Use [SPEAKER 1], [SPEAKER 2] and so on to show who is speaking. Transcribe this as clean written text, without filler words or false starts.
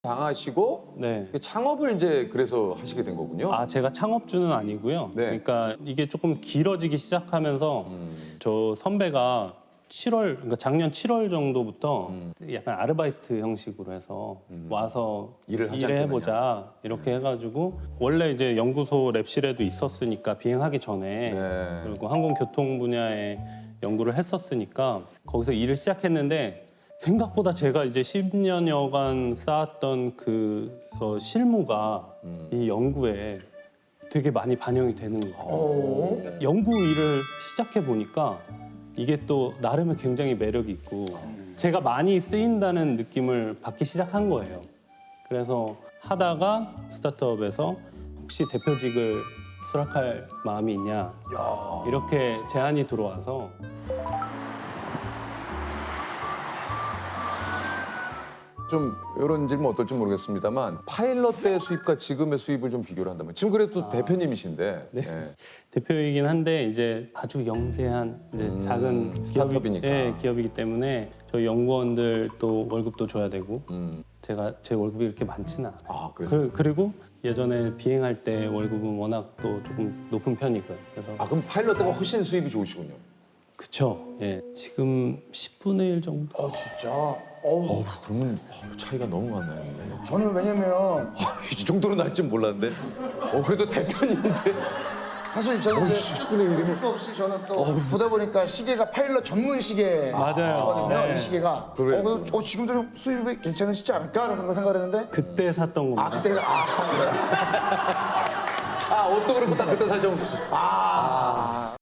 [SPEAKER 1] 당하시고
[SPEAKER 2] 네.
[SPEAKER 1] 창업을 이제 그래서 하시게 된 거군요.
[SPEAKER 2] 아, 제가 창업주는 아니고요.
[SPEAKER 1] 네.
[SPEAKER 2] 그러니까 이게 조금 길어지기 시작하면서 저 선배가 그러니까 작년 7월 정도부터 약간 아르바이트 형식으로 해서 와서
[SPEAKER 1] 일을 하지 않겠느냐.
[SPEAKER 2] 해보자 이렇게 해가지고 원래 이제 연구소 랩실에도 있었으니까 비행하기 전에
[SPEAKER 1] 네.
[SPEAKER 2] 그리고 항공교통 분야에 연구를 했었으니까 거기서 일을 시작했는데 생각보다 제가 이제 10년여간 쌓았던 그 실무가 이 연구에 되게 많이 반영이 되는 거예요. 연구 일을 시작해 보니까 이게 또 나름의 굉장히 매력이 있고 제가 많이 쓰인다는 느낌을 받기 시작한 거예요. 그래서 하다가 스타트업에서 혹시 대표직을 수락할 마음이 있냐 이렇게 제안이 들어와서
[SPEAKER 1] 좀 이런 질문 어떨지 모르겠습니다만 파일럿 때 수입과 지금의 수입을 좀 비교를 한다면 지금 그래도 대표님이신데
[SPEAKER 2] 네.
[SPEAKER 1] 네.
[SPEAKER 2] 대표이긴 한데 이제 아주 영세한 이제 작은
[SPEAKER 1] 스타트업이니까.
[SPEAKER 2] 기업이기 때문에 저희 연구원들 또 월급도 줘야 되고 제가 제 월급이 이렇게 많지는 않아요.
[SPEAKER 1] 아 그래서
[SPEAKER 2] 그리고 예전에 비행할 때 월급은 워낙 또 조금 높은 편이고요. 그래서
[SPEAKER 1] 아 그럼 파일럿 때가 훨씬 수입이 좋으시군요.
[SPEAKER 2] 그쵸. 예, 지금 10분의 1 정도.
[SPEAKER 3] 진짜.
[SPEAKER 1] 그러면 차이가 너무 많아요.
[SPEAKER 3] 저는 왜냐면
[SPEAKER 1] 이 정도로 날 줄 몰랐는데. 그래도 대표님인데.
[SPEAKER 3] 사실 저는 이제
[SPEAKER 1] 10분의 1이면
[SPEAKER 3] 어쩔 수 없이 저는 또 보다 보니까 시계가 파일럿 전문 시계거든요.
[SPEAKER 2] 맞아요. 네.
[SPEAKER 3] 이 시계가.
[SPEAKER 1] 그래요.
[SPEAKER 3] 그래서 지금도 좀 수입이 괜찮으시지 않을까라는 생각을 했는데
[SPEAKER 2] 그때 샀던 겁니다.
[SPEAKER 3] 그때
[SPEAKER 1] 옷도 그렇고 딱 그때 사셔.